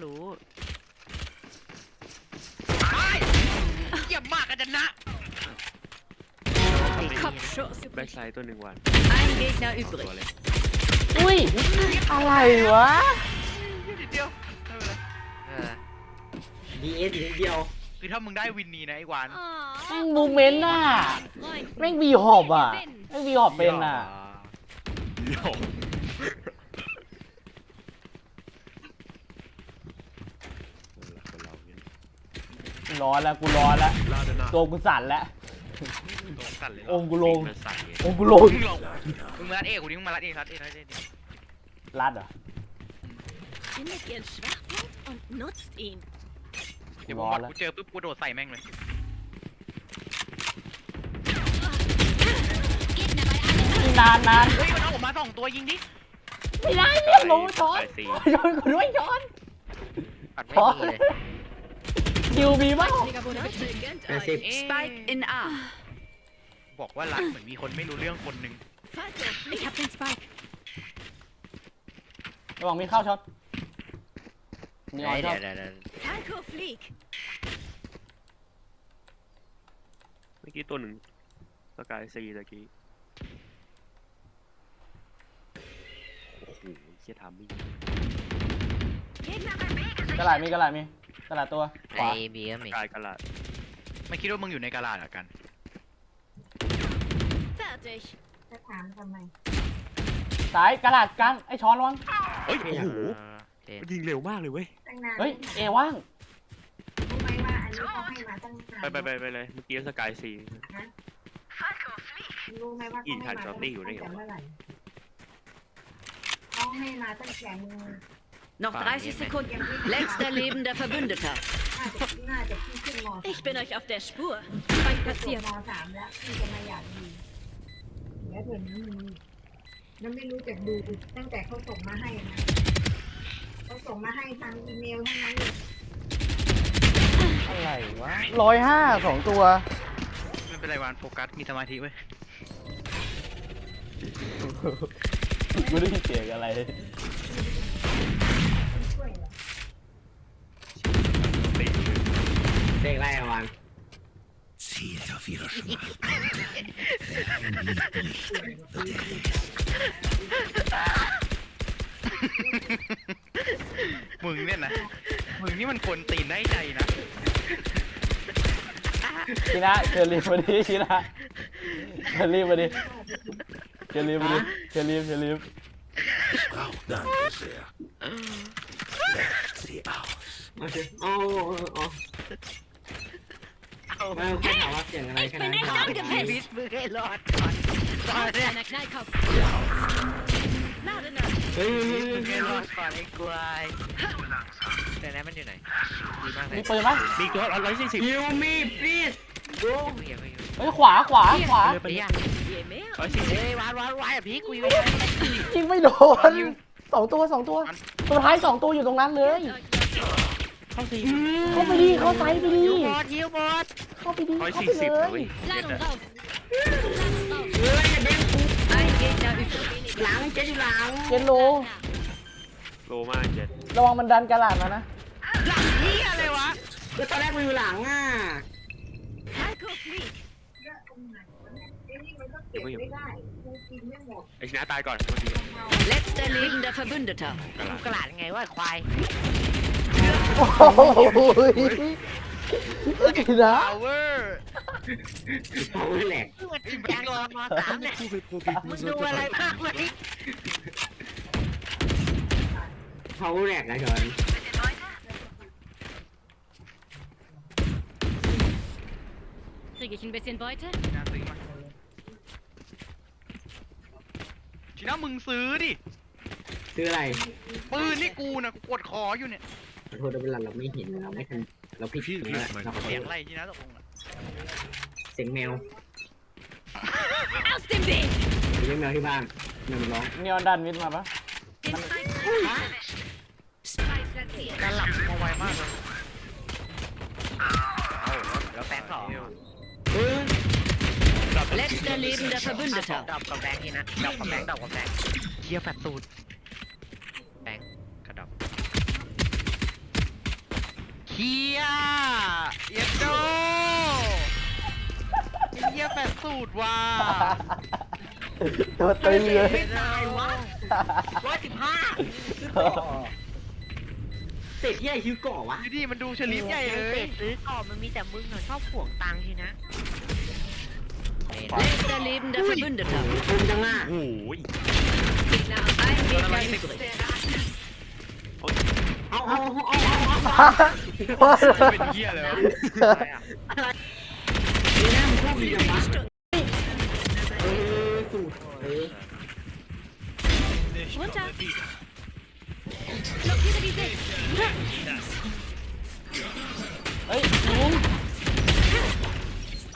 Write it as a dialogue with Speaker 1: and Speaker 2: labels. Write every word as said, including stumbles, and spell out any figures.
Speaker 1: รู้
Speaker 2: เยี่ยมมากกันนะ
Speaker 1: แบ็คไซด์ตัวหนึ่งวัน
Speaker 3: Ein Gegner übrig.
Speaker 4: อุ้ยอะไรวะ
Speaker 2: นิดเดียว
Speaker 5: ดีเอสนิดเดียว
Speaker 2: คือถ้ามึงได้วินนี่นะไอ้หวาน
Speaker 4: แม่งมูเมนต์น่ะแม่งบีหอบอ่ะแม่งบีหอบเป็นอ่ะ
Speaker 1: เดี๋ยว
Speaker 4: ร้อนแล้วกูร้อนแล้วตัวกูสั่นแล้ว
Speaker 2: ตรงสั่นเลย
Speaker 4: องค์กูลง
Speaker 1: มันสั่นไง
Speaker 4: องค์กูลง
Speaker 2: มึงลงมึงมาลัดเอกูดิมึงมาลัดเอลัดเอลัดเอ
Speaker 4: รัดเหรอ
Speaker 3: Findet ihren Schwachpunkt und nutzt ihn.
Speaker 2: เดี๋ยวผมวัดกูเจอปุ๊บกูโดดใส่แม่งเลย
Speaker 4: นานนาน
Speaker 2: เฮ้ยมันเอาออกมาสองตัวยิงดิ
Speaker 4: ไม่ได้เนี่ยลงช้อน
Speaker 1: ไปสี่
Speaker 4: ช้อนกูด้วยช้อน
Speaker 5: ปัดไม่
Speaker 4: ช้อน
Speaker 5: มีเลย
Speaker 4: คิวมีบ้าง
Speaker 5: แปดสิบ
Speaker 3: Spike in A.
Speaker 2: บอกว่ารักเหมือนมีคนไม่รู้เรื่องคนหนึ่ง
Speaker 3: Ich hab den Spike.
Speaker 4: ระวังมีเข้าช็อตมีออย
Speaker 5: เดี๋
Speaker 4: ช็
Speaker 5: ย
Speaker 4: อ
Speaker 5: ว
Speaker 4: ต
Speaker 5: เดี๋ยวเดี๋ยว
Speaker 3: Falco flieg.
Speaker 1: เมื่อกี้ตัวหนึ่งสกายซีตะกี้โอ้โหเชี่ยทำไม่ยิง
Speaker 4: กระหลาดมีกระหลาดมีกระหลาดตัวข
Speaker 5: ไอ
Speaker 4: วา
Speaker 5: บีก็มี
Speaker 1: กายกระลาด
Speaker 2: ไม่คิดว่ามึงอยู่ในกาลาดเหรอกัน
Speaker 3: Fertig.
Speaker 6: จะถามทำไม
Speaker 4: สายกระหลาดกันไอ้ช้อนระวัง
Speaker 1: เฮ้ย
Speaker 5: ไม่
Speaker 1: โอ้
Speaker 5: อยาก
Speaker 1: โห
Speaker 5: เออ
Speaker 1: มันยิงเร็วมากเลยเว้ย
Speaker 6: ตั้งนาน
Speaker 4: เฮ้ยเอว่าง
Speaker 6: รู้ไหมว่าอันนี้เขาให้มาตั้งนาน
Speaker 1: ไปไปไปไปเลยเมื่อกี้สกายซี
Speaker 6: รู้ไหมว่า
Speaker 1: อี
Speaker 6: เขา
Speaker 1: ก
Speaker 6: ให้
Speaker 1: ทัน
Speaker 6: มา
Speaker 1: ช็อตตี้อยู่ได้ไงวะ
Speaker 6: เมื่อไหร่เขาให้มาตั้งแต่มึง
Speaker 3: Noch dreißig Sekunden. Letzter lebender Verbündeter.
Speaker 6: น่าจะน่าจะพี่ขึ้นม
Speaker 3: Ich bin euch auf der Spur. Spike
Speaker 6: จบ
Speaker 3: platziert.
Speaker 6: มสามแล้วพี่จะมาอยากดีแล้วเดี๋ยวนี้มึงมันไม่รู้จักดูตั้งแต่เขาส่งมาให้นะเขาส่งมาให้ทางอีเมลทั้งนั้นเลย
Speaker 4: อะไรวะร้อยห้าสองตัว
Speaker 2: ไม่เป็นไรวานโฟกัสมีสมาธิเว้ย
Speaker 4: ไม่ได้ยินเสียงอะไร
Speaker 6: ช่วยเหรอ
Speaker 1: ตี
Speaker 5: เด็กไรอะวัน
Speaker 2: มึงเนี่ยนะมึงนี่มันคนตีนได้ใจนะ
Speaker 4: ชินะเชอรีฟมาดิชินะเชอรีฟมาดิเชอรีฟมาดิเชอรีฟเชอรีฟ
Speaker 5: โอเคโอ้โอ้ไม่แค่ถามว่าเสียงอะไรแค่นั้น
Speaker 3: Ich bin echt angepisst.
Speaker 5: วิทมึงให้รอดก่อนก่อนเนี่ย
Speaker 3: Kleiner Knallkopf. Ladene.
Speaker 5: เฮ้ยมึงให้รอดก่อนไอ้กวายแต่นั้นมันอยู่ไหนดีมากเลย
Speaker 4: มีปืนปะ
Speaker 1: มีตัวร้อยสี่สิบ
Speaker 5: ยูมีพีซดูมึงอย่าไปอยู่
Speaker 4: เฮ้ยขวาขวาขวา
Speaker 5: ไปยัง
Speaker 3: Je mehr.
Speaker 1: ร้อยสี่สิบ
Speaker 5: เฮ้ยวานวานวานอ่ะพี่กูอยู่
Speaker 4: ยิงไม่โดนสองตัวสองตัวตัวท้ายสองตัวอยู่ตรงนั้นเลย
Speaker 1: เข้าสี่
Speaker 4: เข้าไปดิเข้าไซส์ไปดิ
Speaker 5: ฮิวบอดฮิวบอด
Speaker 4: เข้าไปดิ
Speaker 1: ร้อย
Speaker 4: เข้า
Speaker 1: สี่
Speaker 4: ไป
Speaker 1: สิบ
Speaker 4: เล
Speaker 1: เว้
Speaker 4: ย
Speaker 1: ย
Speaker 3: Ladung raus. Ladung raus.
Speaker 5: เฮ้ยอย่าเด้งกู
Speaker 3: Ein Gegner übrig.
Speaker 5: หลังเจ๊อยู่หลัง
Speaker 4: เจนโล
Speaker 1: โลมากเจ็ด
Speaker 4: ระวังมันดันกระหลาดมานะ
Speaker 5: หลังนี่อะไรวะก็ตอนแรกมันอยู่หลังอ่ะ
Speaker 3: Falco flieg.
Speaker 6: เยอะตรงไหนวะเนี่ยไอ้นี่มันก็เก็บไม่ได้กูกินไม่หมด
Speaker 1: ไอ้ชนะตายก่อนเมื่อกี้
Speaker 3: Letzter lebender Verbündeter.
Speaker 1: กระลาด
Speaker 5: กระหลาดไงวะควาย
Speaker 4: โอ้โหชินะ
Speaker 2: พาวเวอร์
Speaker 5: เขาแหลก
Speaker 2: มันจิ้ม
Speaker 5: แกงรอมาสามเนี่ยมึงดูอะไรมากไหมเขาแหลกนะจอน
Speaker 3: Kriege ich ein bisschen Beute?
Speaker 2: นะซื้อมาทีน่ามึงซื้อดิ
Speaker 5: คืออะไร
Speaker 2: ปืนนี่กูนะกูกดคออยู่เนี่ย
Speaker 5: ขอโทษด้วยเวลาเราไม่เห็นเราไม่ทันเราผิดผิดแล้วเราขอโท
Speaker 2: เสียง
Speaker 5: ษ
Speaker 2: อะไรทีน่าตกลงอ่ะ
Speaker 5: เสียงแมว
Speaker 3: Aus dem Weg!
Speaker 5: เลี้ยงแมวที่บ้านแมวมันร้อง
Speaker 4: นีออนดันมิดมาปะ
Speaker 3: Den Spike. Spike platziert.
Speaker 2: การหลับมาไวมากเลย
Speaker 5: แล้วแบงค์สอง
Speaker 3: Letzter lebender Verbündeter.
Speaker 5: ดอกกับแบงค์นี่นะดอกกับแบงค์ดอกกับแบงค์
Speaker 2: เทียแฟตสูตร
Speaker 5: แบงค์กระดอก
Speaker 2: ฮียเอ็นโดไอ้เฮียแปดสูตรว่ะ
Speaker 4: ตัวตึงเลย
Speaker 5: ไม่ตายวะร้อยสิบห้าเสร็จที่ไอฮิวก่อวะ
Speaker 2: ดูดิมันดูเฉลียใหญ่เลย
Speaker 5: ซื้อก่อมันมีแต่มึงเหรอชอบห่วงตังค์ทีนะ
Speaker 3: Letzter lebender Verbündeter.
Speaker 5: มึงจังอ่ะ
Speaker 1: โอ้ย
Speaker 3: Gegner ein Meter übrig.
Speaker 5: เอาเอาเอาเอาเอา
Speaker 2: เป็นเฮียเลยวะ
Speaker 5: นี่นะมึงชอบมีจังวะ